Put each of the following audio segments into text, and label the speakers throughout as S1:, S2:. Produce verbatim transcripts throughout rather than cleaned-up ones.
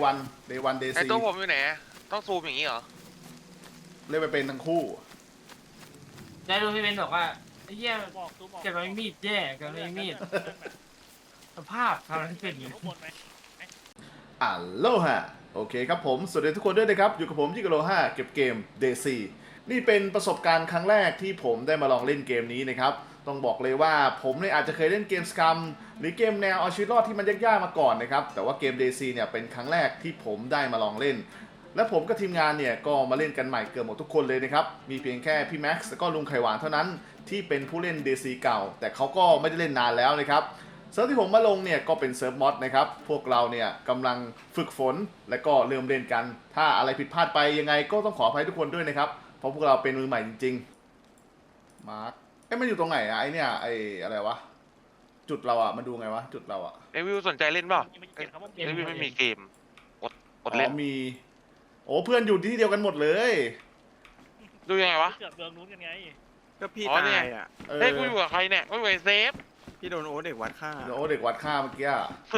S1: วันเดย์วันเดย์
S2: ไอ
S1: ซี
S2: ตัวผมอยู่ไหนต้องซูมอย่างนี้เหรอ
S1: เล่นไปเป็นทั้งคู่
S3: ได้รู้พี่เบนบอกว่าไอ้เหี้ย
S4: บอกตูบอก
S3: เก็บไว้มีดแย่เก็บไว้มีดสภาพทำอะไรเป็นอยู่
S4: ทุกคนไหม
S1: อัลโลฮะโอเคครับผมสวัสดีทุกคนด้วยนะครับอยู่กับผมจิกโลห้าเก็บเกม เดย์ซี นี่เป็นประสบการณ์ครั้งแรกที่ผมได้มาลองเล่นเกมนี้นะครับต้องบอกเลยว่าผมเนี่ยอาจจะเคยเล่นเกมสกัมหรือเกมแนวเอาชีวิตรอดที่มันยากๆมาก่อนนะครับแต่ว่าเกม เดย์ซี เนี่ยเป็นครั้งแรกที่ผมได้มาลองเล่นและผมกับทีมงานเนี่ยก็มาเล่นกันใหม่เกือบหมดทุกคนเลยนะครับมีเพียงแค่พี่แม็กซ์และก็ลุงไข่หวานเท่านั้นที่เป็นผู้เล่น เดย์ซี เก่าแต่เขาก็ไม่ได้เล่นนานแล้วนะครับเซิร์ฟที่ผมมาลงเนี่ยก็เป็นเซิร์ฟมอดนะครับพวกเราเนี่ยกำลังฝึกฝนและก็เริ่มเล่นกันถ้าอะไรผิดพลาดไปยังไงก็ต้องขออภัยทุกคนด้วยนะครับเพราะพวกเราเป็นมือใหม่จริงๆมาร์คเอ้มันอยู่ตรงไหนอะไอเนี่ยไออะไรวะจุดเราอะมันดูไงวะจุดเราอะ
S2: ไอวิวสนใจเล่นเปล่า
S4: ยังไม่เขียนคำว่าเก
S2: ไอ
S4: ม
S2: วิวไม่มีเกมกดกด
S1: อ๋
S2: เล่
S1: อน มีโอ้เพื่อนอยู่ที่เดียวกันหมดเลย
S2: ดูยังไงวะ
S4: เกือบเมืองนู้นกันไง
S5: ก็พี่
S2: อ๋อ
S5: ตา
S2: เนี่ย
S5: ยอ่ะ
S1: เออ
S2: เฮ้ยกูอยู่กับใครเนี่ยกูอยู่กับเซฟ
S5: พี่โดนโอ๊ตเด็กวัดฆ่า
S1: โอ้เด็กวัดค่าเมื่อกี้อะ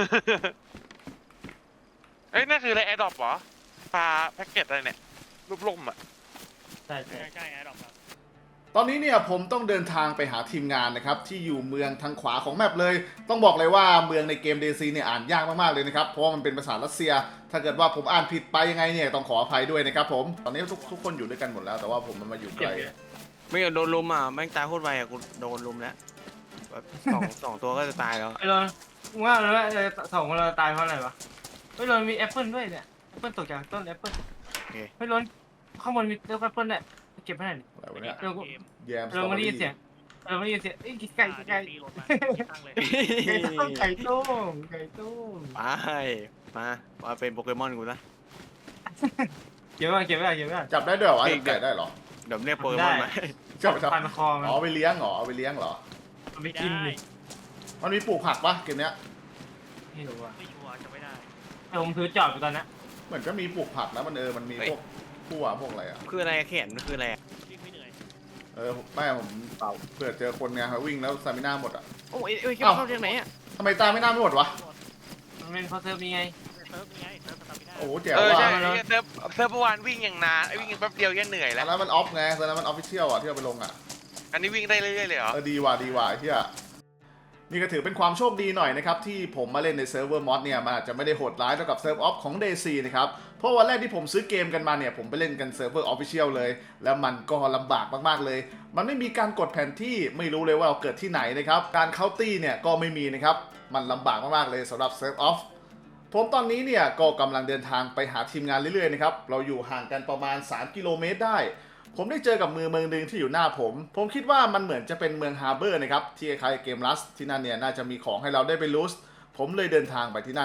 S2: เอ้ยนั่นคืออะไรแอร์ดรอปเหรอปลาแพ็กเกจอะไรเนี่ยรูปล่มอ่ะ
S3: ใช่ใช่
S4: ใช่ใช่ไอ้ดอกครับ
S1: ตอนนี้เนี่ยผมต้องเดินทางไปหาทีมงานนะครับที่อยู่เมืองทางขวาของแมปเลยต้องบอกเลยว่าเมืองในเกม เดย์ซี เนี่ยอ่านยากมากๆเลยนะครับเพราะว่ามันเป็นภาษารัสเซีย ถ้าเกิดว่าผมอ่านผิดไปยังไงเนี่ยต้องขออภัยด้วยนะครับผมตอนนี้ทุกทุกคนอยู่ด้วยกันหมดแล้วแต่ว่าผมมันมาอยู่ไกล
S5: ไม่งั้นโดนลุมอ่ะแม่งตายโคตรไวอ่ะกูโดนลุมแล้วแบบสองสองตัวก็จะตายแล้ว
S3: ไอ้โรนมึงว่าแล้วว่าสองคนเราตายเพราะอะไรวะไอ้โรนมีแอปเปิลด้วยเนี่ยแอปเปิลตกจากต้นแอปเปิลไอ้โรนข้างบนมีต้นแอปเปิลเนี่ยเก็บให้หน่อย
S1: อะไรวะเนี่ย
S3: เดี๋ยวกู
S4: เกม
S1: แยมส
S3: เรา
S1: ตรอเบ
S3: ไม่
S1: อ
S3: ได้ยิน
S1: รี่
S3: เสียงเราไม่ได้ยินเสียงไอ้ไก่ไก่
S4: ตีรถมาตั้งเลย
S3: ไก่ต้มไก่ต้ม
S5: ไปมามาเป็นโปเกมอนกูนะ
S3: เก็บไว้เก็บไว้เก็บไว้
S1: จับได้ด้วยเหรอวะจับไก่ได้เหรอ
S5: เดี๋ยวเรียกโปเกมอนมา
S1: จับจับ
S3: พันคอมัน
S1: อ๋อเอาไปเลี้ยงเหรอเอาไปเลี้ยงเหรอ
S3: เอาไป
S4: ไม่
S3: กิน
S4: ได้
S3: ดิ
S1: มันมีปลูกผักปะเกมเนี้ย
S3: ไม่รู้อ่ะ
S4: ไม่ชัวร์จะไม่ได้
S3: แต่ผมถือจอบอยู่ตอนนี้
S1: เหมือนก็มีปลูกผักนะมันเออมันมีพวกพั่วพวกอะไรอะ
S5: คืออะไรแขนมันคืออะไร
S4: วิ่งไม่เหนื่อย
S1: เออไม่ผมเปล่าเผื่อเจอคนไงเขาวิ่งแล้วสตามิน่าหมดอะ
S5: โอ้ยเอ้ยเข้าจากไหนอ่ะ
S1: ทำไมตาไม่น่าไม่หมดวะ
S3: มันเป็นเพราะเซิร์ฟนี้ไง
S4: เซิร์ฟไงเซิร์ฟสตามิน่า
S1: โอ้โหแจ๋ว
S2: เออ
S1: ว่ะ
S2: ใช่ไอ้เซิร์ฟเซิร์ฟเมื่อวานวิ่งอย่างนานไอ้วิ่งแป๊บเดียวแค่เหนื่อย
S1: ต
S2: แล้
S1: อ
S2: วน
S1: นั้นมันออฟไงตอนนั้นมันออฟฟิเชียลอะที่เราไปลงอะ
S2: อันนี้วิ่งได้เรื่อยๆเลยเหรอ
S1: เออดีว่ะดีว่ะไอ้เหี้ยนี่ก็ถือเป็นความโชคดีหน่อยนะครับที่ผมมาเล่นในเซิร์ฟเวอร์มอดเนี่ยมันอาจจะไม่ได้โหดร้ายเท่ากับเซิร์ฟออฟของ เดย์ซี นะครับเพราะวันแรกที่ผมซื้อเกมกันมาเนี่ยผมไปเล่นกันเซิร์ฟเวอร์ออฟฟิเชียลเลยแล้วมันก็ลำบากมากๆเลยมันไม่มีการกดแผนที่ไม่รู้เลยว่าเราเกิดที่ไหนนะครับการเคาน์ตี้เนี่ยก็ไม่มีนะครับมันลำบากมากๆเลยสำหรับเซิร์ฟออฟผมตอนนี้เนี่ยก็กำลังเดินทางไปหาทีมงานเรื่อยๆนะครับเราอยู่ห่างกันประมาณสามกิโลเมตรได้ผมได้เจอกับเมืองเมืองหนึ่งที่อยู่หน้าผม ผมคิดว่ามันเหมือนจะเป็นเมืองฮาร์เบอร์นะครับที่คล้ายๆเกมลัสที่นั่นเนี่ยน่าจะมีของให้เราได้ไปลูสผมเลยเดินทางไปที่นั่น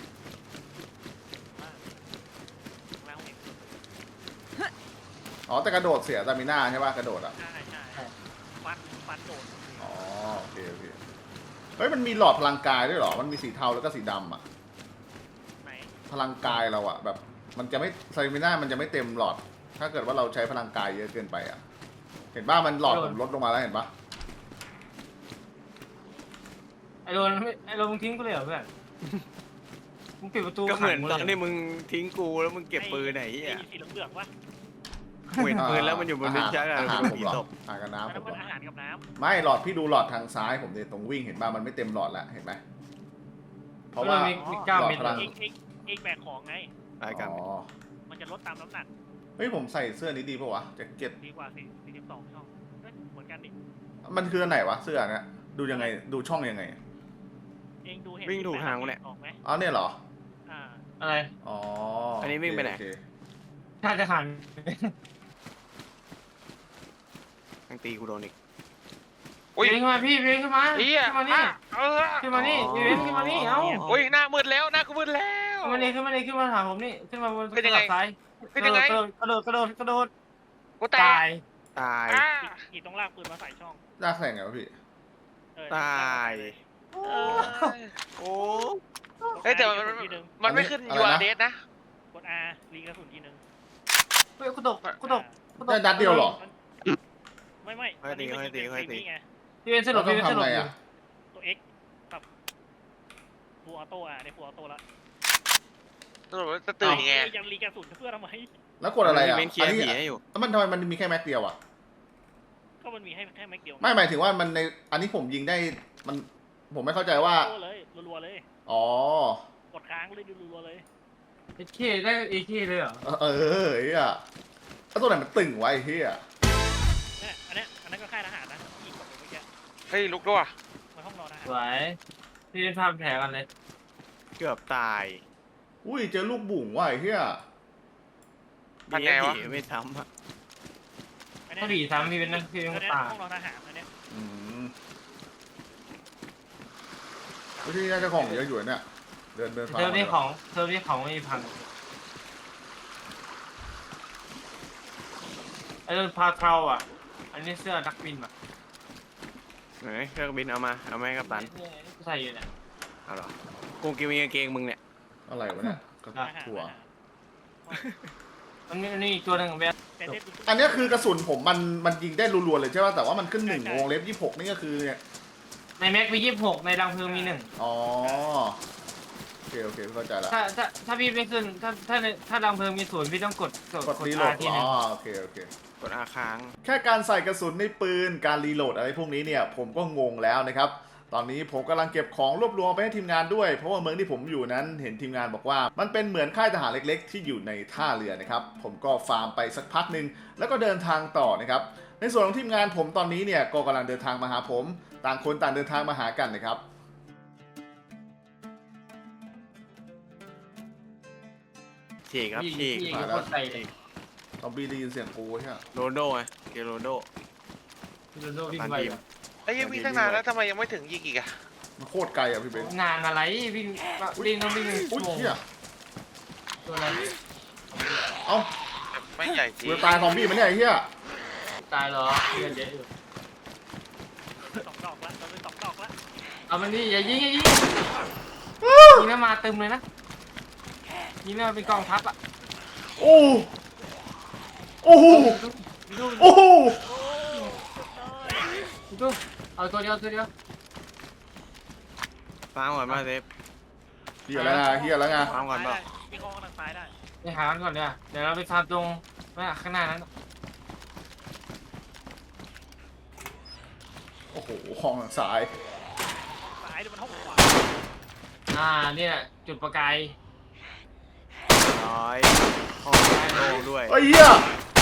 S4: แล้วเห็น
S1: อ๋อแต่กระโดดเสียตามิน่าใช่ป่ะกระโดดอ่ะ
S4: ใช่ใช่ฟันฟันโดด
S1: อ๋อโอเคโอเคเฮ้ยมันมีหลอดพลังกายด้วยเหรอมันมีสีเทาแล้วก็สีดำอ่ะ
S4: ไหน
S1: พลังกายเราอ่ะแบบมันจะไม่ตามิน่ามันจะไม่เต็มหลอด ถ้าเกิดว่าเราใช้พลังกายเยอะเกินไปอ่ะเห็นป่ะมันหลอดผมลดลงมาแล้วเห็นป่ะ
S3: ไอ้โรนไม่ไอ้โรนมึงทิ้งกูเลยเหรอเพื่อนมึงปิดประตู
S5: ก็เหมือน
S3: ขัง
S5: ตอน
S3: ลย
S5: ที่มึงทิ้งกูแล้วมึงเก็บปืนไหน
S4: ไอ้
S5: อ่ะ
S4: สีเหลืองๆวะ
S5: เห็นปืนแล้วมันอยู่บนลิ้นชักอ่ะ
S1: อาหาร
S5: มัน
S1: ผม
S5: ผี
S1: เหรอ
S5: ตบ
S1: อาหารกับน้ำ
S4: อัน
S1: ผ
S4: นั้น
S1: ม
S4: มัน
S1: เหรอ
S4: อาหารกับน้
S1: ไม่หลอดพี่ดูหลอดทางซ้ายผมเนี่ยตรงวิ่งเห็นป่ะมันไม่เต็มหลอดแล้วเห็นไหมเพราะว่า
S3: มีมีเก้าเม็ด
S1: หลอดพลั
S4: ำเองเองเองแบกของไง
S5: รายการ
S1: อ๋อ
S4: มันจะลดตามน้ำหนัก
S1: เฮ้ยผมใส่เสื้อนี้ดีป่าวะแจ็คเก็ต
S4: ดีกว่าสิสี่สิบสองช่องเฮ้ยเหมือนกันดิ
S1: มันคืออันไหนวะเสื้อเนี่ยดูยังไงดูช่องยังไง
S4: เองดูเห็น
S5: วิ่งถูกทางวะเนี่ย
S4: ออกไหม
S1: อ๋อเนี่ยเหรอ
S4: อ่า
S3: อะไร
S1: อ๋อ
S5: อั
S1: อั
S5: นนี้วิ่งไปไหน
S3: ถ้าจะหัน
S5: ทั้งตีกูโดนอีก
S2: อุ้ย
S3: เบนขึ้นมาพี่เบนขึ้นมา
S2: เฮีย
S3: ขึ้นมานี่
S2: อ่ะเออ
S3: ขึ้นมานี่เบนขึ้นมานี่เอ้า
S2: อุ้ยหน้ามืดแล้วหน้ากูมืดแล้ว
S3: ขึ้นมานี่ขึ้นมานี่ขึ้นมาหาผมนี่ขึ้นมาบน
S2: เป็นยังไง
S3: ซ้าย
S2: เป็นยังไง
S3: กระโดดกระโดดกระโดดกระโดด
S2: กูแต
S3: ตาก ย
S5: ตาย
S2: อ่ะ
S4: กีต้องลากปืนมาใส่ช่อง
S1: ลากแสงไงวะพี่
S4: เออ
S5: ตาย
S4: เออ
S5: โอ้
S2: เฮ้ยแต่มันมันมันไม่ขึ้นยูอาร์เดสนะ
S4: กด R รีกระสุนทีนึง
S3: เฮ้ยกูตกกูตกกูตก
S1: ได้นัดเดียวเหรอ
S4: ไม่ไม่
S5: ค่อยตีค่อยตีค่อยตี
S4: นี่ไง
S3: พี่เบนสล
S1: เรา
S3: บ
S1: ต้อ
S3: พี่
S1: ง
S3: เบนสล
S1: ทำ
S3: บ
S1: ไงอ่ะ
S4: ตัว X ปรับฟูออโต้อ่ะในฟูออโต้ละ
S2: สรุปว่าจะตื่นยังไง
S4: เอ้ยยังรีกระสุนเพื่อทำไม
S1: แล้วกดอะไรอ่ะ
S5: มันมีเคลียร์
S1: อันนี้
S5: ผีให้อยู่
S1: แล้วมันทำไมมันมีแค่แม็กเดียวอ่ะ
S4: ก็มันมีให้แค่แม็กเดียว
S1: ไม่หมายถึงว่ามันในอันนี้ผมยิงได้มันผมไม่เข้าใจว่า
S4: โอ้เลยรัวๆเลย
S1: อ๋อก
S4: ดค้างเลยดูรัวๆเลย
S3: เอเคได้เอเคเลยเหรอ
S1: เออเฮียแล้วตัวไหนมันตึงไว้เฮีย
S4: เนี่ยอันเนี้ยอันนั้นก็ค่ายทหารนะยิงกดไปเมื่อกี้
S2: เฮ้ยลุกด้วยว่ะ
S4: มันห้องนอนทหาร
S3: สวยพี่ทำแผลกันเลย
S5: เกือบตาย
S1: อุ้ยเจอลูกบุ๋งว่ะไอ้เฮีย
S2: พันไงวะ
S5: ผีไม่ทำอะ
S4: อันเนี้
S3: ถ้าย ผีซ้ำพี่เป็นนักพี่
S4: อั
S3: เป็น น
S4: เนี้ย
S3: ตา
S4: ห้องนอนทหารอันเนี้ย
S1: อืมที่นี่น่าจะของเยอะอยู่เนี่ยเดินเดิน
S3: เทอมนี้ของเทอมนี้ของไม่มีพังไอ้เรื่องพาเทาอ่ะ อันนี้เสื้อนักบินอ่ะ
S5: ไหนเครื่องบินเอามาเอาไหมาให้กัปตัน
S3: ใส่อยู่เนี่ย
S5: เอาเหรอกูกินมีกางเกงมึงเนี่ย
S1: อะไรวะเนี่ยกระ
S4: ทหาร
S1: ถั่ว
S4: ทหาร
S3: มันมีมันมีอีกตัวหนึ่งเว้ย
S4: แต่เทพ
S1: อันเนี้ยคือกระสุนผมมันมันยิงได้รัวๆเลยใช่ป่ะแต่ว่ามันขึ้นหนึ่งวงเล็บยี่สิบหกนี่ก็คือเนี่ย
S3: ในแม็กมียี่สิบหกในดังเพลิงมีหนึ่ง
S1: อ๋อโอเคโอเคเข้าใจละ
S3: ถ้าถ้าถ้าพี่ไม่ขึ้นถ้าถ้าในถ้าดังเพลิงมีศูนย์พี่ต้องกดกด
S1: กด
S3: กด
S1: รีโหล
S3: อา
S1: ด
S3: ทีหนึ
S1: อ๋
S3: ง
S1: อโอเคโอเค
S5: กดอาค้าง
S1: แค่การใส่กระสุนในปืนการรีโหลดอะไรพวกนี้เนี่ยผมก็งงแล้วนะครับตอนนี้ผมกำลังเก็บของรวบรวมไปให้ทีมงานด้วยเพราะว่าเมืองที่ผมอยู่นั้นเห็นทีมงานบอกว่า มันเป็นเหมือนค่ายทหารเล็กๆ ที่อยู่ในท่าเรือนะครับผมก็ฟาร์มไปสักพักหนึ่งแล้วก็เดินทางต่อนะครับในส่วนของทีมงานผมตอนนี้เนี่ยก็กำลังเดินทางมาหาผม ต่างคนต่างเดินทางมาหากันนะครับ
S5: ฉีกครับ
S3: พี่
S5: ฉีก
S3: พี่
S1: มา
S3: ก็
S1: แล้ว
S3: กดใส่เลย
S1: ซอมบี้ได้ยินเสียงกูใช่ไหม
S5: โรนลโดไงเกโรนลโด
S3: พี่โดนโดวิ่ง
S5: ตัน
S3: ไป
S5: ทีม
S3: อะ
S2: ไอ้ยังวิ่งตั้งนานแล้วทำไมยังไม่ถึงยิงอีกอะ
S1: มันโคตรไกลอ่ะพี่เบน
S3: นานอะไรวิ่งวิ่งต้องวิ่ง
S1: อุ้ย
S3: ชั่วโมง
S1: เฮีย
S3: ตัวอะไร
S1: เอ้า
S2: ไม่ใหญ่จริ
S1: กู
S2: ง
S1: จะตายซอมบี้มันเนี่ยไอ้เฮีย
S3: ตายเหรอเลือดเยอะอยู่
S4: สองดอกละเราเป็นสองดอกละ
S3: เอามันดิอย่ายิงอย่ายิงยิงแล้วมาเต็มเลยนะยิงแล้วเป็นกองทัพอ่ะ
S1: โอ้โอ้โห
S3: ดู
S1: โอ้โห
S3: ดูเอาตัวเดียวตัวเดียว
S5: ฟังก่อนมาเซฟ
S1: เฮียแล้วไงเฮียแล้วไง
S5: ฟังก่อนเปล่า
S4: มีห้องทางซ้ายได้
S3: ไปหามันก่อนเดี๋ยวเดี๋ยวเราไปฟาร์มตรงข้างหน้านั้น
S1: โอ้โหห้องทางซ้าย
S4: ซ้ายดูมันห้องขวา
S3: อ่าเนี่ยจุดประกาย
S5: ร้อยห้องโล่งด้วย
S1: ไอ้เฮีย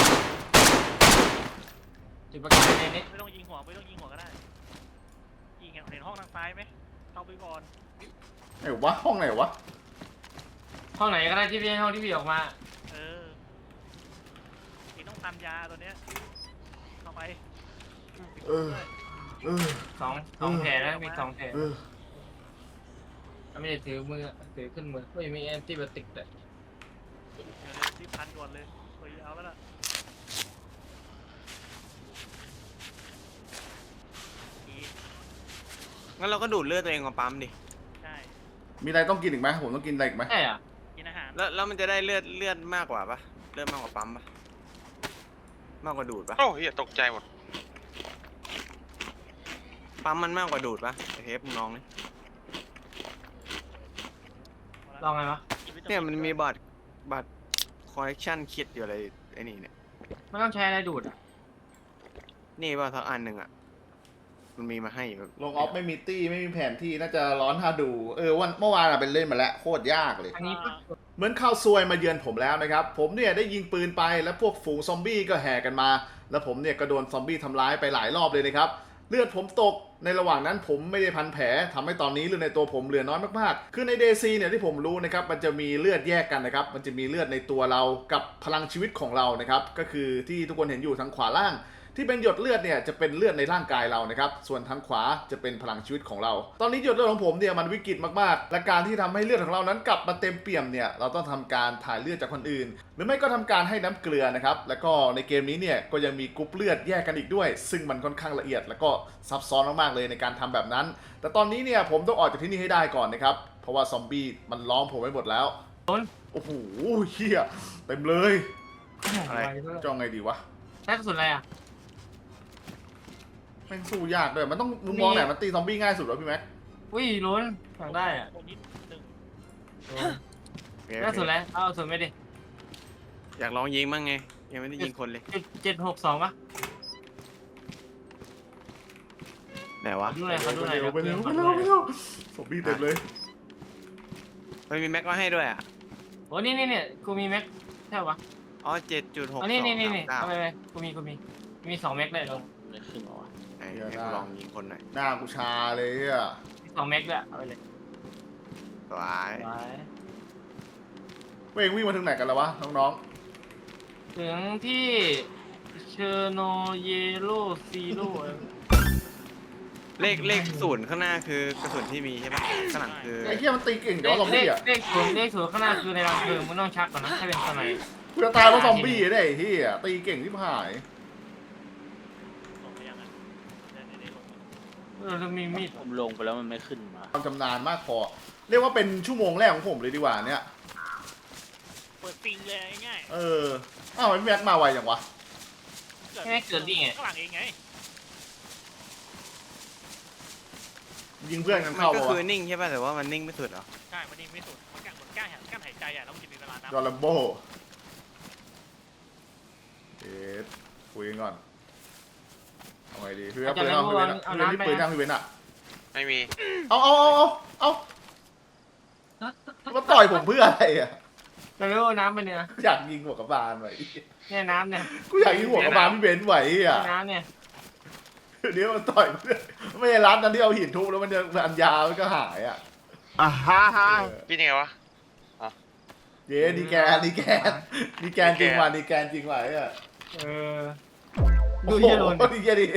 S3: จุดประกายในนี้
S4: ไม่ต้องยิงหัวไม่ต้องยิงหัวก็ได้ยิงเห็นห้องทางซ้ายไหมเข้าไปก่อน
S1: ไหนวะห้องไหนวะ
S3: ห้องไหนก็ได้ที่พี่ห้องที่พี่ออกมา
S4: เออเองต้องทำยาตัวเนี้ยเข้าไป
S1: เออเออ
S3: สองสองแผลนะมีสองแผล
S1: เออ
S3: ไม่ได้ถือมือถือขึ้นมือไม่มีแอนติบอติกเลย
S4: เดี๋ยวเลยรีบพันก่อนเลยเฮ้ยเอาแล้วล่ะอีก
S5: งั้นเราก็ดูดเลือดตัวเองมาปั๊มดิ
S4: ใช่
S1: มีอะไรต้องกินอีกไหมผมต้องกินอะไรอีกไหม
S3: ใช่อ่ะ
S4: กินอาหาร
S5: แล้วแล้วมันจะได้เลือดเลือดมากกว่าปะเลือดมากกว่าปั๊มปะมากกว่าดูดปะ
S2: โอ้เฮียตกใจหมด
S5: ปั๊มมันมากกว่าดูดปะไอเทปมึงลองดิ
S3: ลองไงวะ
S5: เนี่ยมันมีบัตรบัตรคอลเลคชันคิดอยู่อะไรไอ้นี่เนี่ย
S3: ไม่ต้องใช้อะไรดูดอ่ะ
S5: นี่ป่ะสักอันหนึ่งอ่ะมันมีมาให้อยู่
S1: ลงออฟไม่มีตี้ไม่มีแผนที่น่าจะร้อนถ้าดูเออวันเมื่อวานอะเป็นเล่นมาแล้วโคตรยากเลย
S3: อันนี้ปุ๊บ
S1: เหมือนข้าวซวยมาเยือนผมแล้วนะครับ ผมเนี่ยได้ยิงปืนไปแล้วพวกฝูงซอมบี้ก็แห่กันมา แล้วผมเนี่ยก็โดนซอมบี้ทำร้ายไปหลายรอบเลยนะครับ เลือดผมตกในระหว่างนั้นผมไม่ได้พันแผลทำให้ตอนนี้เลือดในตัวผมเหลือน้อยมากๆ คือใน ดี ซี เนี่ยที่ผมรู้นะครับมันจะมีเลือดแยกกันนะครับมันจะมีเลือดในตัวเรากับพลังชีวิตของเรานะครับก็คือที่ทุกคนเห็นอยู่ทางขวาล่าง ที่เป็นหยดเลือดเนี่ยจะเป็นเลือดในร่างกายเรานะครับส่วนทางขวาจะเป็นพลังชีวิตของเรา ตอนนี้หยดเลือดของผมเนี่ยมันวิกฤตมากๆและการที่ทำให้เลือดของเรานั้นกลับมาเต็มเปี่ยมเนี่ยเราต้องทำการถ่ายเลือดจากคนอื่น หรือไม่ก็ทำการให้น้ำเกลือนะครับแล้วก็ในเกมนี้เนี่ยก็ยังมีกรุ๊ปเลือดแยกกันอีกด้วย ซึ่งมันค่อนข้างละเอียดแล้วก็ซับซ้อนมากๆเลยในการทำแบบนั้น แต่ตอนนี้เนี่ยผมต้องออกจากที่นี่ให้ได้ก่อนนะครับเพราะว่าซอมบี้มันล้อมผมไว้หมดแล้วโอ้โหเฮียเต็มเลย
S5: อะไร
S1: จ้องไงดีวะ
S3: ใช้กระสุนอะไรอ่ะ
S1: แม่งสู้ยากด้วยมันต้องมุมมองไหนมันตีซอมบี้ง่ายสุดวะพี่แม็ก
S3: อุ้ยล้นสั่งได้อ่ะ
S4: โดนนิดหนึ่ง
S3: โดน
S5: โอเค
S3: ล่าสุดแล้วเอาสุดไม่ดิ
S5: อยากลองยิงบ้างไงยังไม่ได้ยิงคนเลย
S3: จุดเจ็ดหกสองปะ
S5: ไหนวะ
S3: ดูหน่อยเขาดูหน่อย
S1: ไปเร็วไป
S3: เดี๋
S1: เร็
S3: ยว ว
S1: ไปเร็วสมบี้เต็มเลย
S5: มันมีแม็กมาให้ด้วยอ่ะ
S3: โอ้นี่นี่เนี่ยกูมีแม็กใช่ปะ
S5: อ๋อเจ็ดจุดหก
S3: อ๋
S5: ส
S3: อ
S5: อง
S3: นี่นี่นี่นี่
S5: เก้า
S3: เอาไปไปกูมีกูมีมีสองแม็กเลยเหรอ
S4: ไม่ขึ้นหรอวะ
S5: ไหนให้กูลองยิงคนหน่อย
S1: หน้ากูชาเลยอ่ะ
S3: มีสองแม็กด้วยเอาไปเลย
S5: สวาย
S3: ไว้
S1: เว้งวิ่งมาถึงไหนกันแล้ววะน้อง
S3: ถึงที่เชอร์โนเยโรซีโร่
S5: เลขเลขศูนย์ข้างหน้าคือกระสุนที่มีใช่ปะข้างหลังคือ
S1: ๆไอ้เหี้ยมันตีเก่ง
S3: เล
S1: เดี๋ยว
S3: ข
S1: ซอม
S3: เล
S1: บี้
S3: ข
S1: อ่ะ
S3: เลขศูนย์เลขศูนย์ข้างหน้าคือในรังเพลิงมึงต้องชักก่อนนะถ้าเป็นสมัย
S1: กูจะตายเพราะซอมบี้ได้ไอ้เหี้ยตีเก่งที่หาย
S4: ลงไปยังอ่ะได้ได้ได้ลง
S3: เออแล้วมีมีด
S4: ผมลงไปแล้วมันไม่ขึ้นมา
S1: ความชำนาญมากพอ เรียกว่าเป็นชั่วโมงแรกของผมเลยดีกว่าเนี่ย
S4: เปิดปิงเลยง่าย
S1: เอออ้าวมันแม็กมาไวอย่างวะ
S4: ๆ
S3: แค่เกิดดิไง
S4: ข้างหลังเองไง
S1: ยิงเพื่อนกัน
S5: มัน
S1: เข้า
S5: ก็
S1: ปะ
S5: คือ
S1: วะ
S5: นิ่งใช่ป่ะแต่ว่ามันนิ่งไม่สุดเหรอ
S4: ใช่มันนี่ไม่สุดมันกล้ามันกล้ากั้นหายใจอ่ะแล้วมันจะมีเวลานับ
S1: จอร์แลมโบเอ๊ะคุยกันก่อนเอาไงดีพี่เว้นปืนเอาพี่เว้นอะพี่เว้นนี่ปืนยังพี่เว้นอะ
S2: ไม่มี
S1: เอาเอาเอาเอาเอามาต่อยผมเพื่ออะไรอ่ะ
S3: จะรู้น้ำไปเนี่ย
S1: อยากยิงหัวกระบาลไว้
S3: เนี่ยน้ำเนี่ย
S1: กูอยากยิงหัวกระบาลพี่เว้นไหวอ่ะ
S3: น้ำเนี่ย
S1: เดี๋ยวมันต่อยเพื่อนไม่ใช่ร้านนั้นที่เอาหินทุบแล้วมันจะอันยาวมันก็หายอ่ะ
S5: อ่าฮ่าฮ่า
S1: เออ
S2: พี่ยังไงวะ
S1: เย้ดีแกนดีแกนดีแกนจริงว่ะดีแกนจริงว่ะไอ้อ่ะ
S3: เออดูเฮียโรน
S1: โอ้โหดีแกดิ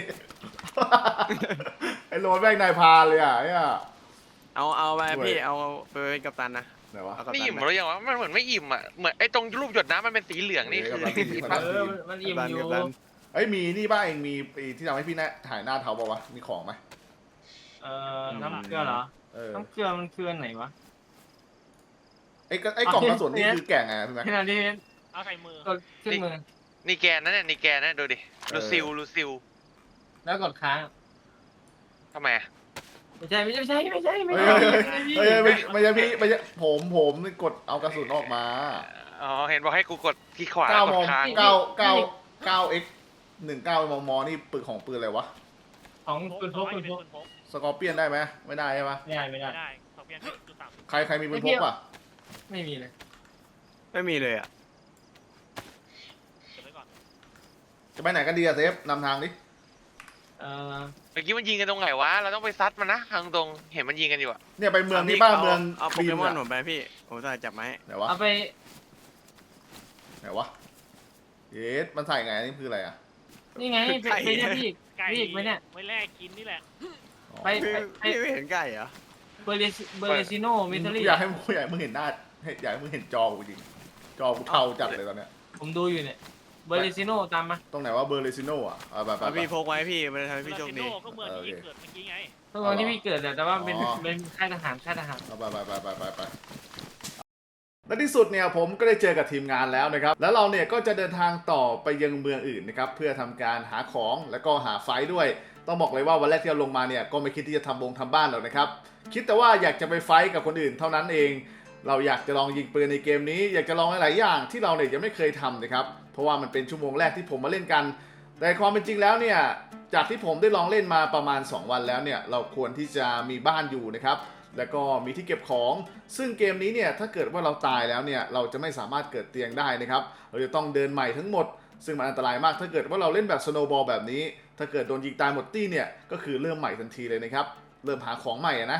S1: ไอ้โรนแม่งนายพรานเลยอ่ะไอ้อ่ะ
S5: เอาเอาไป
S1: ด้วย
S5: พี่เอาไปเป็นกัปตันนะ
S1: ไหนวะ
S5: เอากัป
S2: ไม่
S5: ตัน
S2: อิ่ม
S5: ไหม
S2: หรือยังวะมันเหมือนไม่อิ่มอ่ะเหมือนไอ้ตรงรูปหยดน้ำมันเป็นสีเหลืองนี่
S1: เออ
S2: คือ
S1: กับ
S2: ผิด
S1: กั
S2: ปะ
S1: ปตั
S3: เออมันมันอิ่มอยู่
S5: กัปตัน
S1: เอ้ยมีนี่บ้างเองมีไอ้ที่ทำให้พี่แน่ถ่ายหน้าเท้าป่าวะมีของไหม
S3: เออน้ำเกลือเหรอ
S1: เออ
S3: น้ำเกลือมันคืออันไหนวะ
S1: ไอ้กระไอ้กล่องกระสุนนี่คือแก่งไงพี่แม็ก
S3: ขณะที่
S4: เอาใส่มือก
S3: ดขึ้นมือ
S2: นี่แกนนะเนี่ยนี่แกนนะดูดิลูซิลลูซิล
S3: แล้วกดค้าง
S2: ทำไมอะ
S3: ไม่ใช่ไม่ใช่ไม่ใช่ไม่
S1: เฮ้
S3: ใช่
S1: ย
S3: ไม่
S1: เฮ้ย
S3: ใช่
S1: เฮ้ยไม่ไม่ใช่พี่ไม่ใช่ผมผมนี่กดเอากระสุนออกมา
S2: อ๋อเห็นบอกให้กูกดที่ขวา
S1: เก้าก ม
S2: ด
S1: อง
S2: ค้าง
S1: เก้าเก้าเก้าเอ็กหนึ่งเก้ามมนี่ปืนของปืนอะไรวะ
S3: ของปืนพกปืนพก
S4: ปืนพก
S1: สกอร์เปียนได้ไหมไม่ได้ใช่ปะ
S3: ไม่ได้ไม่ได้
S4: ได้สองเพียงจุดสาม
S1: ใครใครมีปืนพกป่ะ
S3: ไม่มีเลย
S5: ไม่มีเลยอ่ะ
S4: เก็บไว้ก่อน
S1: จะไปไหนกันดีอะเซฟนำทางดิ
S3: เออ
S2: เมื่อกี้มันยิงกันตรงไหนวะเราต้องไปซัดมันนะทางตรงเห็นมันยิงกันอยู่อะ
S1: เนี่ยไปเมืองนี้บ้างเมือง
S5: เอาโป
S1: คลี
S5: เก
S1: น
S5: มอน
S1: อะ
S5: ผมไปพี่ผมจะจับไม้
S1: ไหนวะ
S3: เอาไป
S1: ไหนวะเยสมันใส่ไงนี่คืออะไรอะ
S3: นี่ไงไปไปเนี่ยพี่
S4: ไก่
S3: พี่อีกไหมเนี่ย
S4: ไว้แลกกินนี่แหละ
S1: อ๋อ
S3: ไป
S5: พี่พี่ไม่เห็นไก่เหรอ
S3: เบอร์เลสเบอร์เลซิโนมิท
S1: กู
S3: รี่
S1: อยากให้มึงอยากให้มึงเห็นหน้าให้อยากให้มึงเห็นจอกูจริงจอกูเทาจัดเลยตอนเนี้ย
S3: ผมดูอยู่เนี่ยเบอร์เลซิโนตามมา
S1: ตรงไหนว่าเบอร์เลซิโนอ่ะเอาไปไป
S5: เอา
S1: ไป
S5: พี่พกไว้พี่มันจะทำให้พี่โชคดี
S4: ลาซิโน่ก็เมืองที่เกิดเมื่อกี้ไง
S3: ตรงที่พี่เกิดแต่ว่าเป็น
S1: อ๋อ
S3: เป็นค่ายทหารค่ายทหาร
S1: เอาไปไปไปไปไปไปและที่สุดเนี่ยผมก็ได้เจอกับทีมงานแล้วนะครับ แล้วเราเนี่ยก็จะเดินทางต่อไปยังเมืองอื่นนะครับเพื่อทำการหาของแล้วก็หาไฟท์ด้วย ต้องบอกเลยว่าวันแรกที่เราลงมาเนี่ยก็ไม่คิดที่จะทำวงทำบ้านหรอกนะครับคิดแต่ว่าอยากจะไปไฟท์กับคนอื่นเท่านั้นเอง เราอยากจะลองยิงปืนในเกมนี้ อยากจะลองหลายๆอย่างที่เราเนี่ยยังไม่เคยทำนะครับเพราะว่ามันเป็นชั่วโมงแรกที่ผมมาเล่นกัน แต่ความเป็นจริงแล้วเนี่ยจากที่ผมได้ลองเล่นมาประมาณสองวันแล้วเนี่ยเราควรที่จะมีบ้านอยู่นะครับแล้วก็มีที่เก็บของซึ่งเกมนี้เนี่ยถ้าเกิดว่าเราตายแล้วเนี่ยเราจะไม่สามารถเกิดเตียงได้นะครับเราจะต้องเดินใหม่ทั้งหมดซึ่งมันอันตรายมากถ้าเกิดว่าเราเล่นแบบสโนว์บอลแบบนี้ถ้าเกิดโดนยิงตายหมดตี้เนี่ยก็คือเริ่มใหม่ทันทีเลยนะครับเริ่มหาของใหม่อะนะ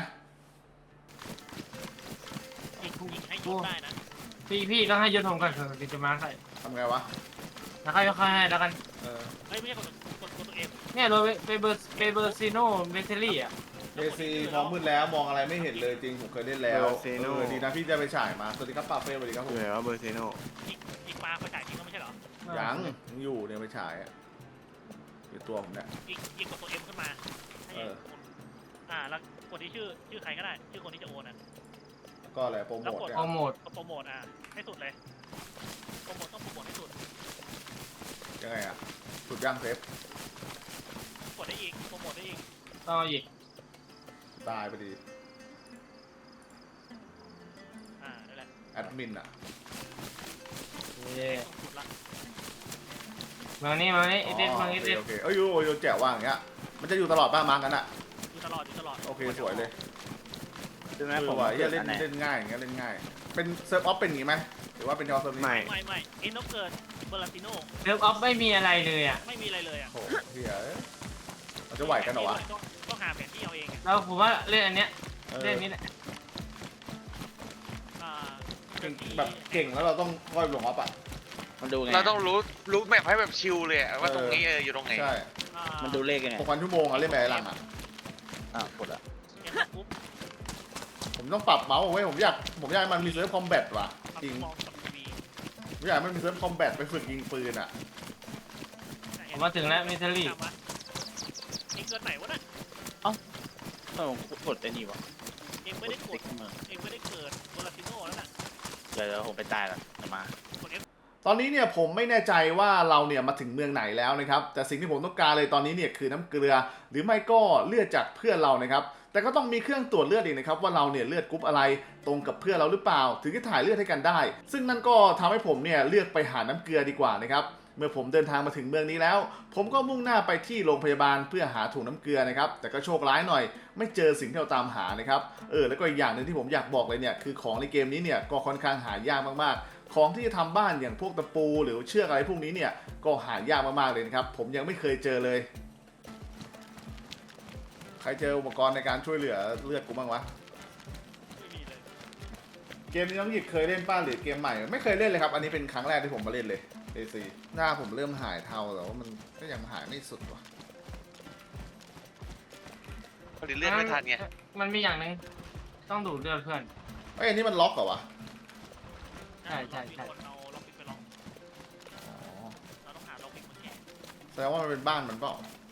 S4: ยิงยิงให้ยกได้นะ
S3: พี่พี่ต้องให้ยศผมก่อนเถอะถึงจะมาใคร
S1: ทำไงวะ
S3: แล้วค่อยค่อยให้แล้วกัน
S1: เออ
S4: เฮ้ยไม่ใช่กดกดกดตัวเอง
S3: เนี่ยเราไปเบอร์ไปเบอร์ซิโนมิทรี่อ่ะ
S1: เอซีมองมืดแล้วมองอะไรไม่เห็นเลยจริงผมเคยเล่นแล้วเออดีนะพี่ได้ไปฉายมาสวัสดีครับป้าเฟ่สวัสดีครับผม
S5: เหลือว่าเบอร์เซโน
S4: ยิงยิงปลาเขาจ่ายจริงก็ไม่ใช่เหรอ
S1: ยังยังอยู่เนี่ยไปฉายอะอยู่ตัวผมเนี่ย
S4: ยิงยิงกดตัวเอ็มขึ้นมาให้
S1: เออ
S4: อ่าแล้วกดที่ชื่อชื่อใครก็ได้ชื่อคนที่จะโอนอ่ะ
S1: ก็อะไรโปรโมทเนี่ย
S3: โปรโมท
S4: กดโปรโมทอ่ะให้สุดเลยโปรโมทต้องโปรโมทให้สุด
S1: ยังไงอะสุดย่างเซฟ
S4: กดได้อีกโปรโมทได้อีก
S3: ต่ออีก
S1: ตายไปดี
S4: อ่านั่นแหละ
S1: อแอดมินอ่ะ
S3: เย้
S4: ต้องขุดละ
S3: มานี่มานี่
S1: อ๋
S3: เอ
S1: อ
S3: เดนมา
S1: โอ
S3: เอ
S1: เค
S3: เดน
S1: โอเคเอ้ยโยโยแจ๋วว่างอย่างเงี้ยมันจะอยู่ตลอดป้ามาร์กกันอ่ะ
S4: อยู่ตลอดอยู่ตลอด
S1: โอเคสวยเลย
S6: ใช่ไหม
S1: เอ
S6: ผ
S1: อ
S6: ม
S1: ว่ะเหี้ย
S6: เล่
S1: เล่
S6: น
S1: น
S6: อันไหน
S1: เล่นง่ายอย่างเงี้ยเล่นง่ายเป็นเซิร์ฟออฟเป็นอย่างงี้ไหมหรือว่าเป็นเฉพาะเซิร์ฟนี้
S5: ไม่
S4: ไม่ไม่ไอ้นกเกิดเบอร์ลาติโน่
S3: เซิร์ฟออฟไม่มีอะไรเลยอ่ะ
S4: ไม่มีอะไรเลยอ่ะ
S1: โอ้โหเฮียเอ้ยเราจะไหวกันเหรอวะ
S4: ต้องต้องหาแผนที่เอาเองอะ
S3: แล้วผมว่าเล่นอันเนี้ย
S1: เออ
S3: เล่นนี้แหละ
S4: อ่า
S1: เก่งแบบเก่งแล้วเราต้องค่อยลงออฟอ่ะ
S6: มันดูไง
S2: เราต้องรู้รู้แมพให้แบบชิลเลยอะว่าตรงนี้เอออยู่ตรงไหน
S1: ใช่
S4: อ่า
S6: มันดูเลขยังไง
S1: หกพันชั่วโมงอะเล่นแบบไอ้หลังอ่ะ
S6: อ่ะกดละ
S4: เกมปุ๊บ
S1: ผมต้องปรับเมาส์เอาไว้ผมอยากผมอยากให้มันมีเซิร์ฟคอมแบทว่ะ
S4: ปรับ
S1: จริง
S4: มองกับทีวี
S1: ผมอยากให้มันมีเซิร์ฟคอมแบทไปฝึกยิงปืนอ่ะ
S3: ผมมาถึงแล้วมิเทอรี่
S4: ตามมาเองเกิดไหนวะน่ะ
S6: เออผมกดไอ้นี่วะ
S4: เองไม่ได้ก
S6: ติ๊
S4: ด
S6: กเมือง
S4: เองไม่ได้เกิดเบอร์ลาติโน่แล้วน่ะ
S6: เดี๋ยวเดี๋ยวผมไปตายละจะมา
S4: กด F
S1: ตอนนี้เนี่ยผมไม่แน่ใจว่าเราเนี่ยมาถึงเมืองไหนแล้วนะครับแต่สิ่งที่ผมต้องการเลยตอนนี้เนี่ยคือน้ำเกลือ หรือไม่ก็เลือดจากเพื่อนเรานะครับแต่ก็ต้องมีเครื่องตรวจเลือดอีกนะครับว่าเราเนี่ยเลือดกรุ๊ปอะไรตรงกับเพื่อนเราหรือเปล่า ถึงจะถ่ายเลือดให้กันได้ ซึ่งนั่นก็ทำให้ผมเนี่ยเลือกไปหาน้ำเกลือดีกว่านะครับเมื่อผมเดินทางมาถึงเมืองนี้แล้ว ผมก็มุ่งหน้าไปที่โรงพยาบาลเพื่อหาถุงน้ำเกลือนะครับแต่ก็โชคร้ายหน่อย ไม่เจอสิ่งที่เราตามหานะครับเออแล้วก็อีกอย่างหนึ่งที่ผมอยากบอกเลยเนี่ยคือของในเกมนี้เนี่ยก็ค่อนข้างหายากมากๆ ของที่จะทำบ้านอย่างพวกตะปูหรือเชือกอะไรพวกนี้เนี่ยก็หายากมากๆเลยนะครับผมยังไม่เคยเจอเลย ใครเจออุปกรณ์ในการช่วยเหลือเลือดกูบ้างวะ
S4: ไม่มีเลย
S1: เกมนี้น้องหยิบเคยเล่นป้าหรือเกมใหม่ไม่เคยเล่นเลยครับอันนี้เป็นครั้งแรกที่ผมมาเล่นเลย เอ ซี หน้าผมเริ่มหายเทาแต่ว่ามันก็ยังหายไม่สุดว่ะ
S2: ผลิตเลือดไม่ทันไง
S3: มันมีอย่างหนึงต้องดูดเลือดเพื่อน
S1: เอ้ยอันนี้มันล็อกเหรอวะ
S3: ใช่ใช่ใช่
S4: มีคนเอาล็อกปิกไปล็อก
S1: อ๋อ
S4: เราต้องหาล็อกปิกมาแกะ
S1: แสดงว่ามันเป็นบ้านมันเปล่า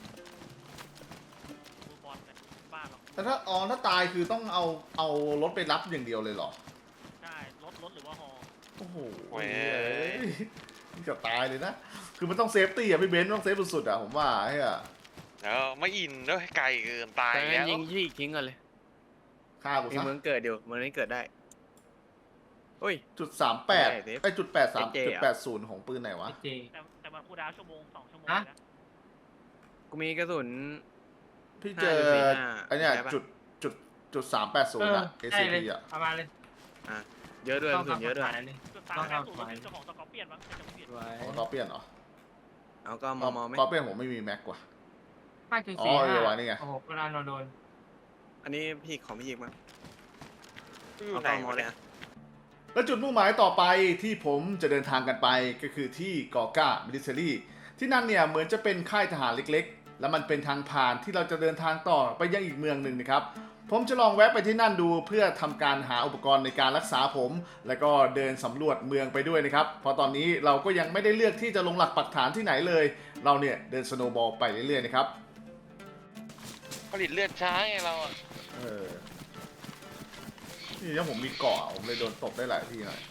S4: ดูบอลเนี่ยบ้านเรา
S1: แต่ถ้าอ๋อถ้าตายคือต้องเอาเอารถไปรับอย่างเดียวเลยเหรอ
S4: ใช่รถรถหรือว่าฮอ
S1: โอ้โห
S2: โอ้ย
S1: นี่จะตายเลยนะ คือมันต้องเซฟตี้อะพี่เบนซ์ต้องเซฟสุดๆอะผมว่าไอ้อะ
S2: เออไม่อินด้วยไกลเกินตาย
S5: แต่
S2: แล้ว
S5: ยิงยี่อีกทิ้งก่อนเลย
S1: ฆ่ากู
S5: มี
S1: ซะ
S5: เมืองเกิดอยู่เมืองนี้เกิดได้โอ้ย
S1: จุดสามแปด
S5: ไม่ได้เดฟ
S1: ไอจุดแปดสาม
S5: เจ
S1: จุด
S5: อะ
S1: แปดศูนย์ของปืนไหนวะ
S3: เจ
S4: แต่แต่มันคูลดาวน์ชั่วโมงสองชั่วโมง
S3: ฮะ
S4: นะ
S5: กูมีกระสุน
S1: พี่เจอ
S5: ห้าจุดสี่ห้า
S1: ไอเนี่ย
S5: ได้ปะ
S1: จุดจุดจุดสามแปดศู
S3: เอน
S1: ย์
S3: อ
S1: อะ
S3: ได้เลย
S1: เอ ซี พี อะ
S3: เอามาเลย
S5: เยอะด้วยก
S3: ต้อ
S5: ระ
S3: ง
S5: สุนเยอะด้วย
S3: ทำกฎหมายเลย
S4: จุดสาม
S3: ต้อง
S4: แปด
S3: เอา
S4: ศูนย์
S3: ไว้
S4: เป็นเจ้าของสกอร์เปียนมั้งจะไม่ผิด
S3: ไว้
S1: ของกอเปียนเหรอ
S5: เอาก็มอมอไหม
S1: กอเปียนผมไม่มีแม็กกว่า
S3: ห้าจุด
S1: อ๋อ
S3: สี่
S1: เออ
S3: ห้า
S1: ว่ะนี่ไง
S3: โอ้โหเวลาเราโดน
S5: อันนี้พี่ของพี่ยิงมั้ง
S2: อยู่
S5: เอา
S2: ไหน
S5: ก็มอ
S2: วะ
S5: เลย
S2: เนี่ย
S5: อะ
S1: และจุดมุ่งหมายต่อไปที่ผมจะเดินทางกันไปก็คือที่กอก้ามิลิเทอรี่ที่นั่นเนี่ยเหมือนจะเป็นค่ายทหารเล็กๆ และมันเป็นทางผ่านที่เราจะเดินทางต่อไปยังอีกเมืองหนึ่งนะครับ ผมจะลองแวะไปที่นั่นดูเพื่อทำการหาอุปกรณ์ในการรักษาผม แล้วก็เดินสำรวจเมืองไปด้วยนะครับเพราะตอนนี้เราก็ยังไม่ได้เลือกที่จะลงหลักปักฐานที่ไหนเลย เราเนี่ยเดินสโนว์บอลไปเรื่อยๆนะครับ
S2: ผลิตเลือดช้าไงเราอะ
S1: เออนี่ถ้าผมมีเกาะผมเลยโดนตบได้หลายที่หน่อย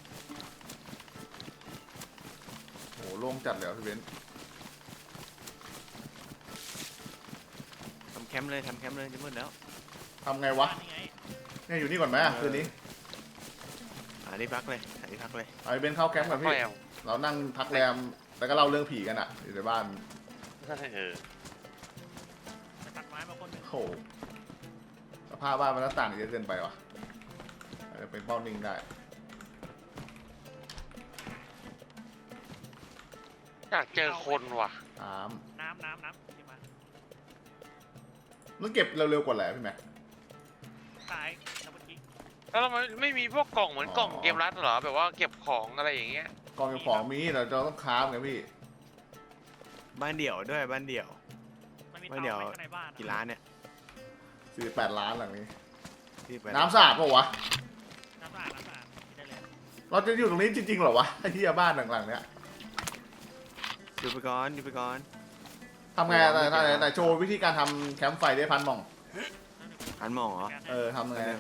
S1: โหโล่งจัดเลยอ่ะพี่เบนซ์
S5: ทำแคมป์เลยทำแคมป์เลยจะมืดแล้ว
S1: ทำไงวะ
S4: นี่ไง
S1: เนี่ยอยู่นี่ก่อนไหมอ่ะคืนนี้
S5: หาที่พักเลยหาที่พักเลย
S1: เอาไอ้เบนซ์เข้าแคมป์ก่อน
S2: แป
S1: พี่
S2: ลว
S1: เรานั่งพักแรมแล้วก็เล่าเรื่องผีกันอ่ะอยู่ในบ้าน
S2: เออ
S4: ไปตัดไม้มาคนหนึ่ง
S1: โหสภาพบ้านมันหน้าต่างเยอะเกินไปวะอาจจะเป็นเป้านิ่งได้
S2: อยากเจอคนว่ะ
S1: น้
S4: น้ำน้ำน้ำที่มา
S1: ำมันเก็บเร็วๆกว่าแหละพี่แม็ก
S4: ซ้ายดับเบิลคลิก
S2: แล้วเราไม่ไม่มีพวกกล่องเหมือน
S1: อ๋อ
S2: กล่องเกมรัดเหรอแบบว่าเก็บของอะไรอย่างเงี้ย
S1: กองเก็บของมีแต่เราต้องค้าฟไงพี่
S5: บ้านเดี่ยวด้วยบ้านเดี่ยว
S4: มันมี
S5: ไม่
S4: เตา
S5: เดี๋ยว
S4: ไว้ข้างในบ้านอะ
S5: กี่ล้านเนี่ย
S1: สี่แปดล้านหลังนี้
S5: ที่ไป
S1: น้ำสะอาดปะวะ
S4: น้ำสะอาดน้ำสะอาดกินได้เลย
S1: เราจะอยู่ตรงนี้จริงๆเหรอวะไอ้ที่บ้านหลังๆเนี้ย
S5: ดูไปก่อนดูไปก่อน
S1: ทำไงอะไหนไหนไหนโชว์วิธีการทำแคมป์ไฟได้พันหมอง
S5: หันมองเหรอ
S1: เออทำไง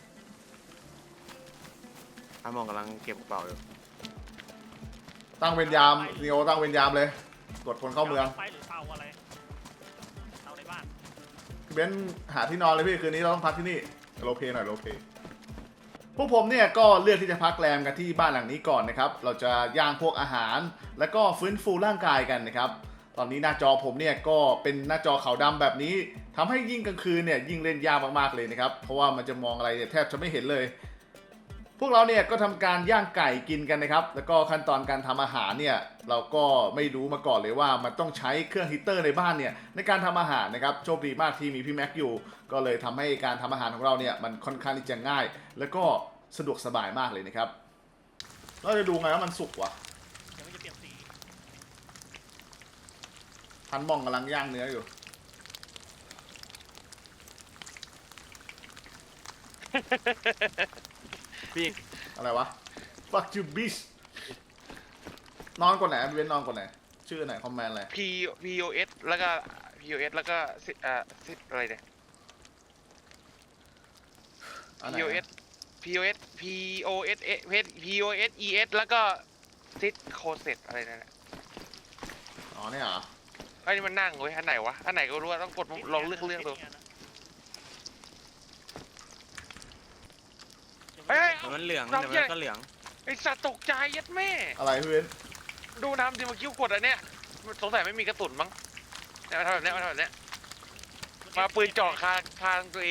S5: หันมองกำลังเก็บกระเป๋าอยู่
S1: ตั้งเวรยามนีโอตั้งเวรยามเลยตรวจคนเข้าเมือง
S4: ไฟหรือเตาอะไรเตาในบ้าน
S1: เบนซ์หาที่นอนเลยพี่คืนนี้เราต้องพักที่นี่โลเพหน่อยโลเพพวกผมเนี่ยก็เลือกที่จะพักแรมกันที่บ้านหลังนี้ก่อนนะครับเราจะย่างพวกอาหารแล้วก็ฟื้นฟูร่างกายกันนะครับตอนนี้หน้าจอผมเนี่ยก็เป็นหน้าจอขาวดำแบบนี้ทำให้ยิ่งกลางคืนเนี่ยยิ่งเล่นยากมากๆเลยนะครับเพราะว่ามันจะมองอะไรเนี่ยแทบจะไม่เห็นเลย พวกเราเนี่ยก็ทำการย่างไก่กินกันนะครับแล้วก็ขั้นตอนการทำอาหารเนี่ยเราก็ไม่รู้มาก่อนเลยว่ามันต้องใช้เครื่องฮีตเตอร์ในบ้านเนี่ยในการทำอาหารนะครับโชคดีมากที่มีพี่แม็กอยู่ก็เลยทำให้การทำอาหารของเราเนี่ยมันค่อนข้างที่จะง่าย แล้วก็สะดวกสบายมากเลยนะครับเราจะดูไงว่ามันสุกวะ
S4: เดี๋ยวมันจะเปลี่ยนสี
S1: ทันมองกำลังย่างเนื้ออยู่
S5: พี่
S1: อะไรวะ fuck you bitch นอนก่อนไหนเว้นนอนก่อนไหนชื่อไหนคอมเมนต์อะไร
S2: P P O S แล้วก็ P O S แล้วก็ซิอ่าซิอะไรเนี่ย
S1: อันไหน
S2: P O S P O S P O S P O S E S แล้วก็ซิดโคเซตอะไรนั่นแหละ
S1: อ๋อเนี่ยเหรอ
S2: ไอ้นี่มันนั่งเว้ยอันไหนวะอันไหนก็รู้ว่าต้องกดลองเลือกเลือกดูเฮ้ย
S5: เดี๋ยวมันเหลืองเดี๋ยวมันก็เหลือง
S2: ไอสัตว์ตกใจยัดแม่
S1: อะไรพี่เว้น
S2: ดูน้ำดิมาคิ้วกดอันเนี้ยสงสัยไม่มีกระสุนมั้งเนี่ยมาทำแบบเนี้ยมาทำแบบเนี้ยมาปืนจ่อคางคางตัวเอง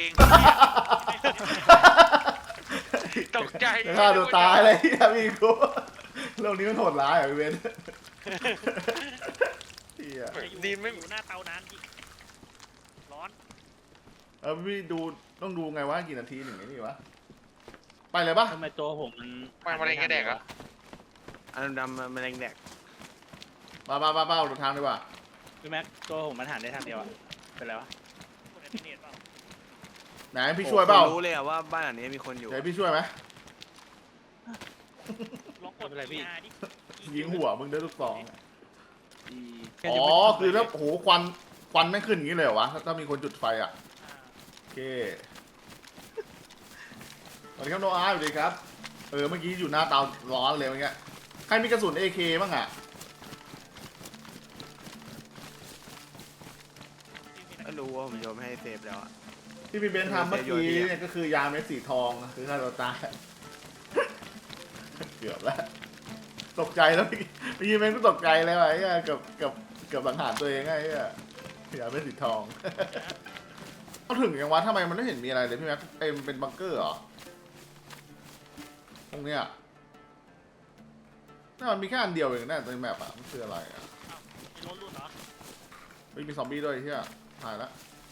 S2: ตกใจ
S1: ฆ่าตัวตายเลยที่พี่กูโลกนี้มันโหดร้ายอ่ะพี่เว้นเหี้ย
S4: จะอยู่
S2: ดีไม่
S4: อยู่หน้าเตานานอีกร้อน
S1: เออพี่ดูต้องดูไงว่ากี่นาทีหนึ่งไอ้นี่วะไปเลยปะ
S6: ทำไมตัวผมมัน
S2: ไม่มาเล่นแกแดกอะ
S5: อันดำๆมันแรงแดก
S1: มามามาเป้าดูทางดีกว่า
S6: พี่แม็กตัวผมมันหันได้ทางเดียวอะเป็นไรวะ
S4: กดแอนติเนตเปล่า
S1: ไหนพี่ช่วยเปล่า
S5: รู้เลยอะว่าบ้านหลังนี้มีคนอยู่
S1: เดี๋ยวพี่ช่วยไหม
S4: ลองกด
S6: ไม่เป็นไรพี่
S4: อาดิ
S1: ยิงหัวมึงด้วยลูกซองอะ
S6: อี
S1: อ๋อคือถ้าโอ้โหควันควันไม่ขึ้นอย่างนี้เลยเหรอวะถ้าถ้ามีคนจุดไฟอ่ะ
S4: อ่า
S1: โอเคสวัสดีครับโนอาร์สวัสดีครับเออเมื่อกี้อยู่หน้าเตาร้อนเลยเมื่อกี้ใครมีกระสุน เอ เค บ้างอ่ะ
S5: ก็รู้ว่าผมโยนให้เซฟแล้วอะ
S1: ที่พี่เบนซ์ทำเมื่อกี้เนี่ยก็คือยาเม็ดสีทองคือฆ่าตัวตายเกือบแล้วตกใจแล้วพี่เมื่อกี้เบนซ์ก็ตกใจเลยว่ะไอ้เหี้ยเกือบเกือบเกือบสังหารตัวเองไงไอ้เหี้ยยาเม็ดสีทองเขาถึงยังวะทำไมมันไม่เห็นมีอะไรเลยพี่แม็กเอ็มนเป็นบังเกอร์เหรอตรงเนี้ยน่ามันมีแค่อันเดียวเองนะในแมปอ่ะมันคืออะไรอ่ะ
S4: มีรถรุ่นเหรอ
S1: ไม่มีซอมบี้ด้วยไอ้เฮียถ่ายแล้ว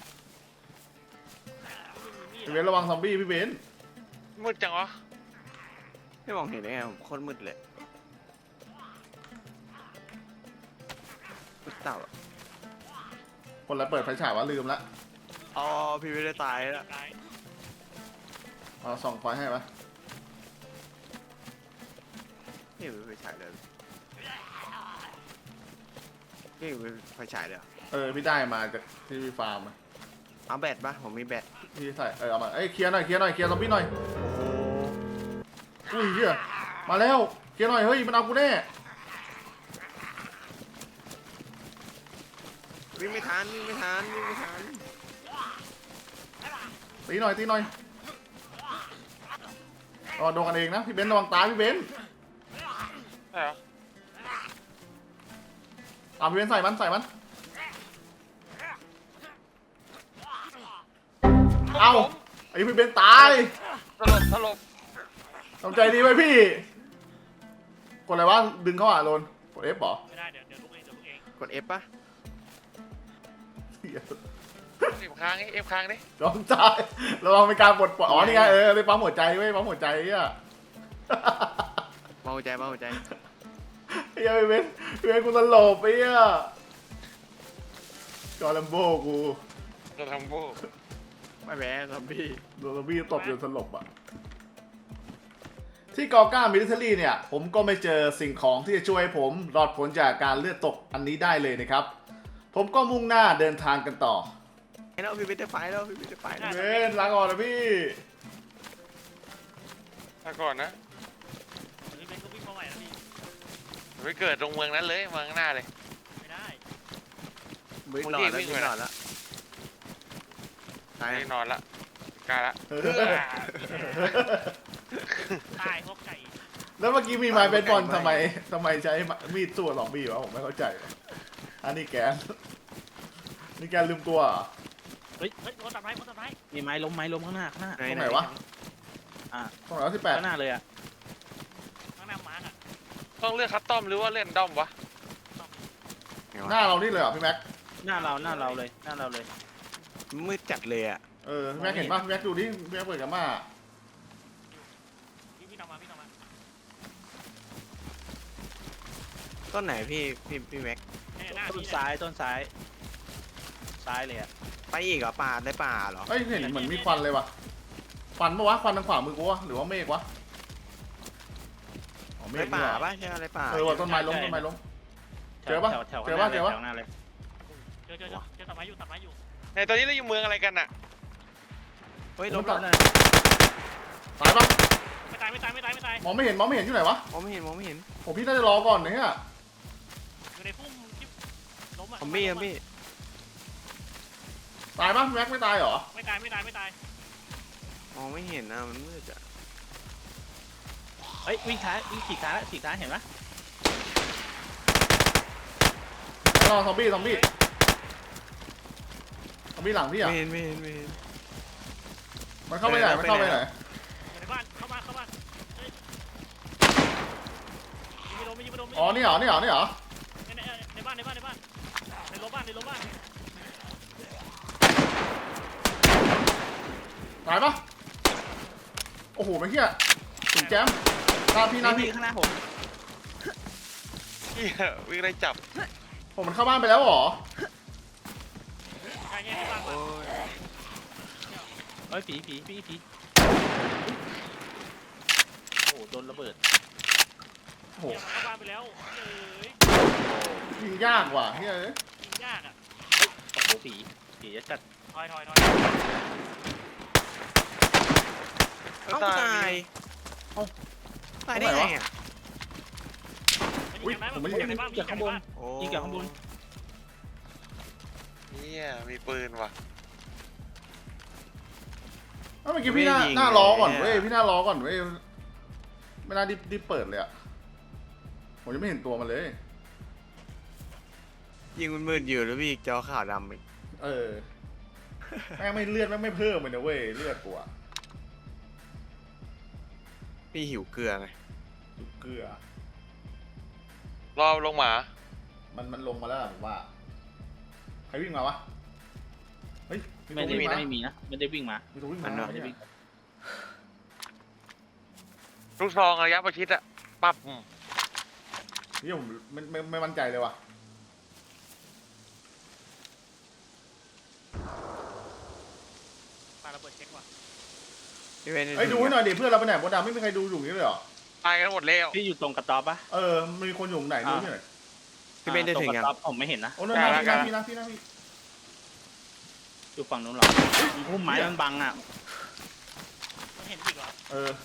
S4: มี
S1: พี่เบนซ์ระวังซอมบี้พี่เบนซ์
S2: มืดจังวะ
S5: ไม่มองเห็นได้ไงผมโคตรมืดเลยมืดเต่าอะ
S1: คนละเปิดไฟฉายวะลืมละ
S5: อ๋อพี่ไม่ได้ตายแล้ว
S4: ตาย
S1: เอาส่องไฟให้ปะ
S5: นี่ไม่ไฟฉายเลยนี่ไม่ไฟฉายเลยเหรอ
S1: เออพี่ได้มาจากที่พี่ฟาร์มอะ
S5: เอาแบตปะผมมีแบต
S1: พี่ใส่เออเอามาเอ้ยเคลียร์หน่อยเคลียร์หน่อยเคลียร์ซอมบี้หน่อยอุ้ยเฮียมาแล้วเคลียร์หน่อยเฮ้ยมันเอากูแน่
S5: วิ่งไม่ทันวิ่งไม่ทันวิ่งไม่ทัน
S1: ตีหน่อยตีหน่อยรอโดนกันเองนะพี่เบนซ์ระวังตายพี่เบนซ์
S2: ใช่เหรอ
S1: ตามพี่เบนซ์ใส่มันใส่มันเอาไอ้พี่เบนซ์ตาย
S2: สลบสลบ
S1: ทำใจดีไว้พี่กดอะไรวะดึงเข้าอ่ะโดนกด F เหรอ
S4: ไม่ได้เดี๋ยวเดี๋ยวลุกเองเดี๋ยวลุกเอง
S5: กด F ปะ
S1: เหี้ย
S2: เอฟค้างไงเอฟค้างดิ
S1: ยอมจ่ายระวังเป็นการปลดปล่อยอ๋อนี่ไงเออไปปั๊มหัวใจเว้ยปั๊มหัวใจอ่ะ
S5: เมาใจเมาใจ
S1: ไอ้เหี้ยไปเว้นไปเว้นกูตลบไปอ่ะจอร์แลมโบกู
S2: จะทำโบ้
S5: ไม่แพ้ซอมบี้
S1: โดนซอมบี้ตบจนสลบอ่ะที่กอก้ามิลิเทอรี่เนี่ยผมก็ไม่เจอสิ่งของที่จะช่วยให้ผมรอดพ้นจากการเลือดตกอันนี้ได้เลยนะครับผมก็มุ่งหน้าเดินทางกันต่อ
S5: ไอ้เราพี่ไม่ได้ไฟแล้วพี่ไม่ได้ไฟแล้ว
S1: เว้นลาก่อนนะพี่
S2: มาก่อนนะ
S4: เดี๋ยวนี้เบนก็วิ่งมาใหม่แล้วพี่
S2: ไปเกิดตรงเมืองนั้นเลยเมืองหน้าเลย
S4: ไม่ได้
S5: วิ่งหลอดแล้ววิ่งหลอดแล้วตาย
S2: ไม่นอนละกล้าละ
S1: เออ
S4: ตายพวกไก่
S1: แล้วเมื่อกี้มีไม้เบสบอลทำไมทำไมใช้มีดสู้กับสองบีวะผมไม่เข้าใจวะอันนี้แกนนี่แกนลืมตัวเหรอ
S4: เฮ้ยเฮ้ยคนตัดไม้คนตัดไม้
S6: มีไม้ล้มไม้ล้มข้างหน้าข้างหน้า
S5: ไหน
S1: ตรง
S5: ไห
S1: ไห
S5: น
S1: นวะ
S6: อ่า
S1: ตรงไหนวะสิบแปด
S6: ข้างหน้าเลยอ่ะ
S4: ข้างหน้ามาร์กอ่ะ
S2: ต้องเลือกคัสตอมหรือว่าเล่นด้อมวะ
S1: หน้าเรานี่เลยเหรอพี่แม็ก
S6: หน้าเราหน้าเราเลยหน้าเราเลย
S5: มืดจัดเลยอ่ะ
S1: เออพี่แม็กเห็นป่ะพี่แม็กดูดิพี่แม็กเปิดกับมา
S4: พี่พี่ทำมาพี่ทำมา
S5: ต้นไหนพี่พี่พี่แม็ก
S4: เนี่ยหน้า
S6: ต้น
S4: พี่
S6: ซ้ายต้นซ้ายซ้ายเลยอ่ะ
S5: ไปอีกเหรอป่าได้ป่าเหรอ
S1: เอ้ยเห็นเหมือนมีควันเลยว่ะควันปะวะควันทางขวามือกูวะหรือว่าเมฆวะอ๋อเม
S5: ได้
S1: ฆ
S5: ป่า
S1: นี่หว่า
S5: ป่ะใช่ไหมได้ป่า
S1: เออว่ะต้นไม้ล้มต้นไม้ล้ม
S6: แถ
S1: เจ
S6: ว
S1: อปะ
S6: แถวแถว
S1: เจอปะ
S6: ข้างหน้า
S1: เจอปะ
S6: แถวหน้าเลย
S4: เจอเจอเจอเจอตัดไม้อยู่ตัดไม้อยู่
S2: ในตอนนี้เราอยู่เมืองอะไรกันน่ะ
S5: เฮ้ย
S1: ล้
S5: ล้
S1: ม
S5: ม
S1: ตั
S5: แล้
S1: ด
S5: ว
S1: ตายปะ
S4: ไม่ตายไม่ตายไม่ตายไม่ตาย
S1: มองไม่เห็นมองไม่เห็นอยู่ไหนวะ
S5: มองไม่เห็นมองไม่เห็น
S1: ผมพี่น่าจะรอก่อนนะเนี่ย
S4: อยู่ในพุ่มที่ล้มอ่ะ
S5: ซอมบี้ซอมบี้
S1: ตายปะพี่แม็กไม่ตายเหรอ
S4: ไม่ตายไม่ตายไม่ตาย
S5: มองไม่เห็นนะมันมืดอ่ะ
S6: เฮ้ยวิ่งท้ายวิ่งฉีกท้ายแล้วฉีกท้ายเห็นปะ
S1: รอซอมบี้ซอมบี้ซอมบี้หลังพี่อ่ะ
S5: ไม่เห็นไม่เห็นไม่เห็น
S1: มันเข้าไปไหนมันเข้าไปไหน
S4: อยู่ในบ้านเข้ามาเข้ามาเฮ้ยยิงไม่โดนไม่ยิงไม่โดนไม่
S1: อ๋อนี่เหรอนี่เหรอนี่เหรอ
S4: ในในในบ้านในบ้านในบ้านในโรงบ้านในโรงบ้าน
S1: ตายปะโอ้โหไม่เหี้ยสุดแจมหน้าพี่หน้า
S6: นี่
S1: พี่
S6: ข้างหน้าผม
S2: เฮียวิ่งไล่จับ
S1: ผมมันเข้าบ้านไปแล้วเหรอ
S4: ใช่ไงในบ้าน
S5: โอ้ย
S6: เฮ้ยผีผีผีผีโอ้โหโดนระเบิด
S1: โอ้โห
S4: เข้าบ้านไปแล้วเอ้ย
S1: ยิงยากว่ะเฮ้ยเอ้ย
S4: ยิงยากอ่ะ
S6: โอ้โหผีผีจะจัด
S4: ถอยถอยถอย
S5: เอ้าตายเอ้าตายได้ไงอ่ะ
S1: อุ้ยผมไม่เห็น
S4: ในบ้านยิงจากในบ้าน
S5: โอ้
S6: ยิงจากข้างบน
S2: เฮียมีปืนว่ะ
S1: เอ้าเมื่อกี้พี่หน้าหน้ารอก่อนเว้ยพี่หน้ารอก่อนเว้ยไม่น่าดิบดิบเปิดเลยอะผมยังไม่เห็นตัวมันเลย
S5: ยิงมันมืดอยู่แล้วพี่จอขาวดำอีก
S1: เออแม่งไม่เลือดแม่งไม่เพิ่มเลยนะเว้ยเลือดตัว
S5: พี่หิวเกลือไง
S1: เกลือ
S2: รอลงหมา
S1: มันมันลงมาแล้วผมว่าใครวิ่งมาวะเฮ้ย
S6: ไม่ได้
S1: ตัววิ่งา
S6: ไม่มีนะไม่ได้วิ่งมา
S1: มีตัววิ่งมา
S6: ไม่ได้วิ่ง
S2: ลูกซองระยะประชิดอะปั๊บอืม
S1: นี่ผมไม่ไม่ไม่มั่นใจเลยว่ะ
S4: ปาระเบิดเช็คว่ะ
S5: พี่เวน
S1: เฮ้ยดูให้หน่อยดิเพื่อนเราไปไหนบดดำไม่มีใครดูอยู่นี่เลยเหรอ
S2: ตายกันหมดแล้ว
S6: พี่อยู่ตรงกระต๊อบปะ
S1: เออมีคนอยู่ไหนดูให้หน่อย
S5: พี่เวนได้
S6: ตร
S5: ถึ
S6: ง
S5: ง
S6: ก
S5: ยัง
S6: ระต๊อบผมไม่เห็นนะ
S1: โอ้นั่นนะพี่นะพี่นะพี่นะพี่
S6: อยู่ฝั่งนู้นหรอพุ่มไม้มันบังอ่ะ
S4: มันเห็นอีกเหรอ
S1: เออ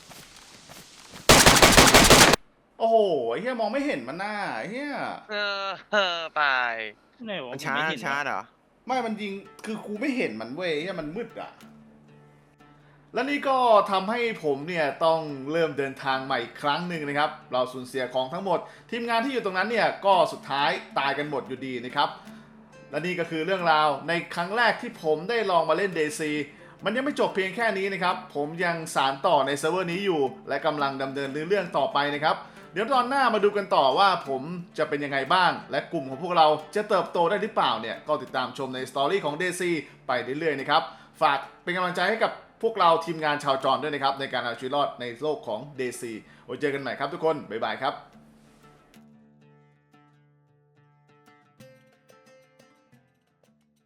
S1: โอ้โหไอ้เหี้ยมองไม่เห็นมันหน้าไอ้เหี้ย
S2: เออเออตาย
S6: ไหนวะ
S5: มันช้า
S6: ไม่เห็น
S5: ช้าเหรอ
S1: ไม่มันยิงคือกูไม่เห็นมันเว้ยไอ้เหี้ยมันมืดอ่ะและนี่ก็ทำให้ผมเนี่ยต้องเริ่มเดินทางใหม่อีกครั้งหนึ่งนะครับเราสูญเสียของทั้งหมด ทีมงานที่อยู่ตรงนั้นเนี่ยก็สุดท้ายตายกันหมดอยู่ดีนะครับและนี่ก็คือเรื่องราวในครั้งแรกที่ผมได้ลองมาเล่น เด ซี มันยังไม่จบเพียงแค่นี้นะครับผมยังสานต่อในเซิร์ฟเวอร์นี้อยู่ และกำลังดำเนินเรื่องต่อไปนะครับเดี๋ยวตอนหน้ามาดูกันต่อว่าผมจะเป็นยังไงบ้าง และกลุ่มของพวกเราจะเติบโตได้หรือเปล่าเนี่ยก็ติดตามชมในสตอรี่ของ เด ซี ไปเรื่อยๆนะครับฝากเป็นกำลังใจให้กับพวกเราทีมงานชาวจรด้วยนะครับในการเอาชีวิตรอดในโลกของ เด ซี ไว้เจอกันใหม่ครับทุกคนบ๊ายบายครับ